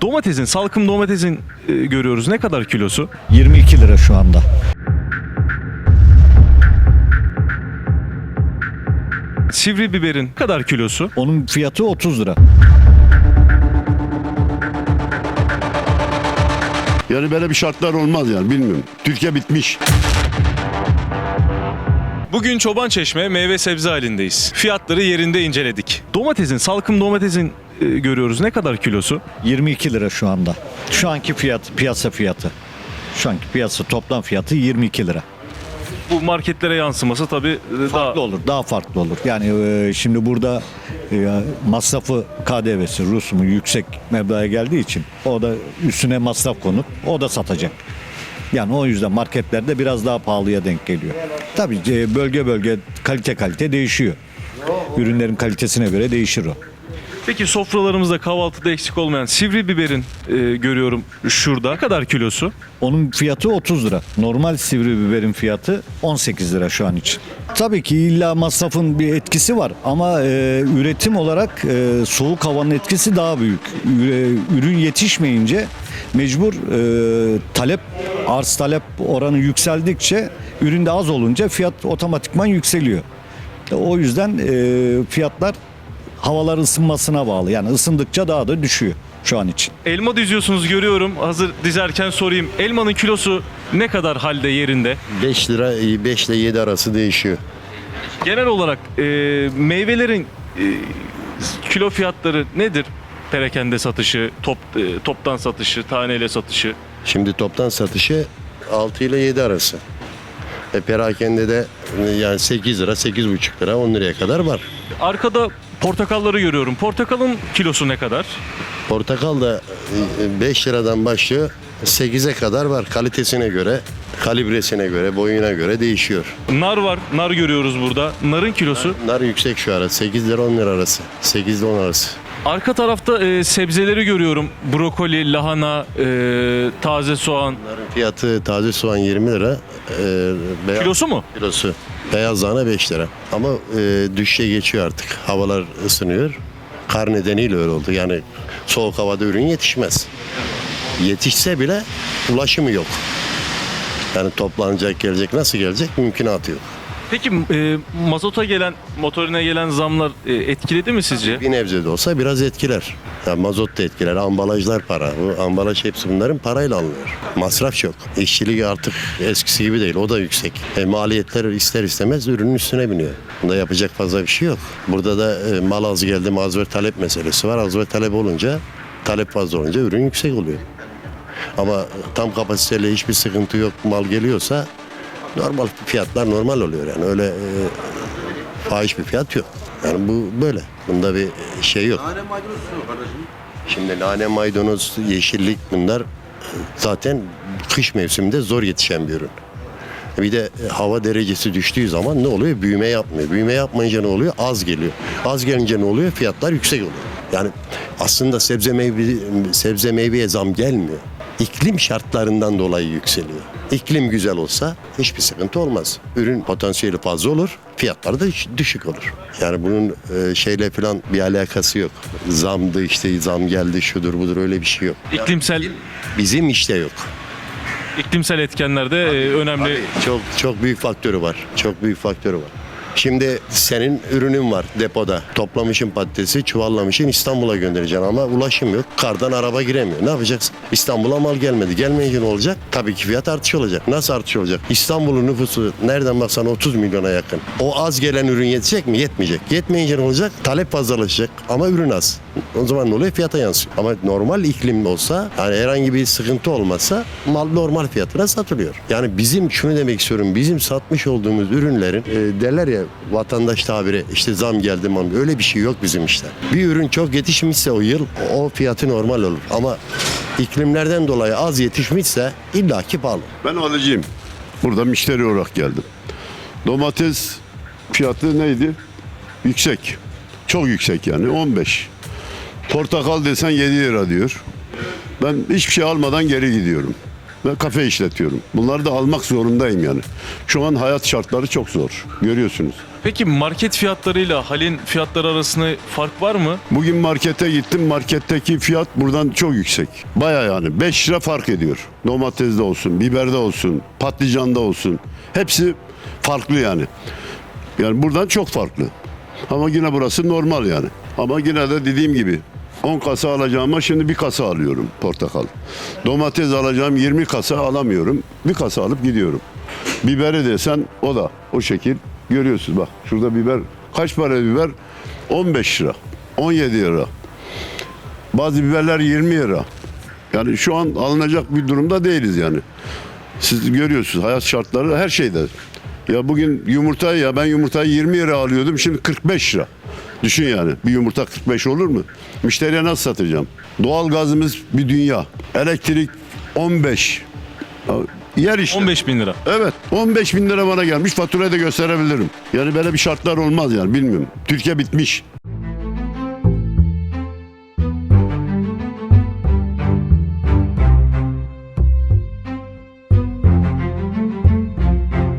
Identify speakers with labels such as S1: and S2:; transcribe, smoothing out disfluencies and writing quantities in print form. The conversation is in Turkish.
S1: Domatesin, salkım domatesin görüyoruz. Ne kadar kilosu?
S2: 22 lira şu anda.
S1: Sivri biberin ne kadar kilosu?
S2: Onun fiyatı 30 lira.
S3: Yani böyle bir şartlar olmaz yani, bilmiyorum. Türkiye bitmiş.
S1: Bugün Çobançeşme meyve sebze halindeyiz. Fiyatları yerinde inceledik. Domatesin, salkım domatesin görüyoruz. Ne kadar kilosu?
S2: 22 lira şu anda. Şu anki piyasa fiyatı. Şu anki piyasa toplam fiyatı 22 lira.
S1: Bu marketlere yansıması tabii daha...
S2: Farklı olur, daha farklı olur. Yani şimdi burada masrafı, KDV'si, rusumu yüksek meblağa geldiği için o da üstüne masraf konup o da satacak. Yani o yüzden marketlerde biraz daha pahalıya denk geliyor. Tabii bölge bölge, kalite değişiyor. Ürünlerin kalitesine göre değişir o.
S1: Peki sofralarımızda kahvaltıda eksik olmayan sivri biberin görüyorum şurada. Ne kadar kilosu?
S2: Onun fiyatı 30 lira. Normal sivri biberin fiyatı 18 lira şu an için. Tabii ki illa masrafın bir etkisi var ama üretim olarak soğuk havanın etkisi daha büyük. Ürün yetişmeyince mecbur arz talep oranı yükseldikçe üründe az olunca fiyat otomatikman yükseliyor. O yüzden fiyatlar havalar ısınmasına bağlı. Yani ısındıkça daha da düşüyor şu an için.
S1: Elma diziyorsunuz görüyorum. Hazır dizerken sorayım. Elmanın kilosu ne kadar halde yerinde?
S4: 5 lira 5 ile 7 arası değişiyor.
S1: Genel olarak meyvelerin kilo fiyatları nedir? Perakende satışı, toptan satışı, taneyle satışı.
S4: Şimdi toptan satışı 6 ile 7 arası. Perakende de yani 8 lira, 8,5 lira, 10 liraya kadar var.
S1: Arkada portakalları görüyorum. Portakalın kilosu ne kadar?
S4: Portakal da 5 liradan başlıyor, 8'e kadar var. Kalitesine göre, kalibresine göre, boyuna göre değişiyor.
S1: Nar var. Nar görüyoruz burada. Narın kilosu.
S4: Nar yüksek şu ara, 8 lira 10 lira arası. 8 ile 10 arası.
S1: Arka tarafta sebzeleri görüyorum. Brokoli, lahana, taze soğan.
S4: Narın fiyatı taze soğan 20 lira.
S1: Kilosu mu?
S4: Kilosu. Beyaz lahana 5 lira. Ama düşüşe geçiyor artık. Havalar ısınıyor. Kar nedeniyle öyle oldu. Yani soğuk havada ürün yetişmez. Yetişse bile ulaşımı yok. Yani toplanacak, gelecek, nasıl gelecek mümkünatı yok.
S1: Peki mazota gelen, motorine gelen zamlar etkiledi mi sizce?
S4: Bir nebze de olsa biraz etkiler. Yani mazot da etkiler, ambalajlar para. Bu ambalaj hepsi bunların parayla alınıyor. Masraf çok. İşçilik artık eskisi gibi değil, o da yüksek. Maliyetler ister istemez ürünün üstüne biniyor. Bunda yapacak fazla bir şey yok. Burada da mal az geldi, az ve talep meselesi var. Az ve talep olunca, talep fazla olunca ürün yüksek oluyor. Ama tam kapasiteyle hiçbir sıkıntı yok, mal geliyorsa normal fiyatlar normal oluyor yani öyle fahiş bir fiyat yok. Yani bu böyle. Bunda bir şey yok. Nane maydanoz kardeşim. Şimdi nane maydanoz, yeşillik bunlar zaten kış mevsiminde zor yetişen bir ürün. Bir de hava derecesi düştüğü zaman ne oluyor? Büyüme yapmıyor. Büyüme yapmayınca ne oluyor? Az geliyor. Az gelince ne oluyor? Fiyatlar yüksek oluyor. Yani aslında sebze meyveye zam gelmiyor. İklim şartlarından dolayı yükseliyor. İklim güzel olsa hiçbir sıkıntı olmaz. Ürün potansiyeli fazla olur, fiyatları da düşük olur. Yani bunun şeyle falan bir alakası yok. Zamdı işte, zam geldi, şudur budur, öyle bir şey yok.
S1: İklimsel
S4: Bizim işte yok.
S1: iklimsel etkenler de önemli.
S4: Çok büyük faktörü var. Çok büyük faktörü var. Şimdi senin ürünün var depoda. Toplamışsın patatesi, çuvallamışsın, İstanbul'a göndereceksin ama ulaşım yok. Kardan araba giremiyor. Ne yapacaksın? İstanbul'a mal gelmedi. Gelmeyince ne olacak? Tabii ki fiyat artış olacak. Nasıl artış olacak? İstanbul'un nüfusu nereden baksan 30 milyona yakın. O az gelen ürün yetecek mi? Yetmeyecek. Yetmeyince ne olacak? Talep fazlalaşacak ama ürün az. O zaman ne oluyor? Fiyata yansıyor. Ama normal iklim olsa, yani herhangi bir sıkıntı olmazsa mal normal fiyatına satılıyor. Yani bizim şunu demek istiyorum. Bizim satmış olduğumuz ürünlerin derler ya vatandaş tabiri işte zam geldi mam. Öyle bir şey yok bizim işte. Bir ürün çok yetişmişse o yıl o fiyatı normal olur. Ama iklimlerden dolayı az yetişmişse illaki pahalı.
S3: Ben alıcıyım. Burada müşteri olarak geldim. Domates fiyatı neydi? Yüksek. Çok yüksek yani 15. Portakal desen 7 lira diyor. Ben hiçbir şey almadan geri gidiyorum. ve kafe işletiyorum. Bunları da almak zorundayım yani. Şu an hayat şartları çok zor. Görüyorsunuz.
S1: Peki market fiyatlarıyla halin fiyatları arasında fark var mı?
S3: Bugün markete gittim. Marketteki fiyat buradan çok yüksek. Baya yani 5 lira fark ediyor. Domatesde olsun, biberde olsun, patlıcanda olsun. Hepsi farklı yani. Yani buradan çok farklı. Ama yine burası normal yani. Ama yine de dediğim gibi 10 kasa alacağıma şimdi bir kasa alıyorum portakal. Domates alacağım 20 kasa alamıyorum. Bir kasa alıp gidiyorum. Biberi desen o da o şekil. Görüyorsunuz bak şurada biber. Kaç para biber? 15 lira. 17 lira. Bazı biberler 20 lira. Yani şu an alınacak bir durumda değiliz yani. Siz görüyorsunuz hayat şartları her şeyde. Ya bugün ben yumurtayı 20 lira alıyordum şimdi 45 lira. Düşün yani bir yumurta 45 olur mu? Müşteriye nasıl satacağım? Doğal gazımız bir dünya. Elektrik 15. Ya, yer işte.
S1: 15 bin lira.
S3: Evet 15 bin lira bana gelmiş faturayı da gösterebilirim. Yani böyle bir şartlar olmaz yani bilmiyorum. Türkiye bitmiş.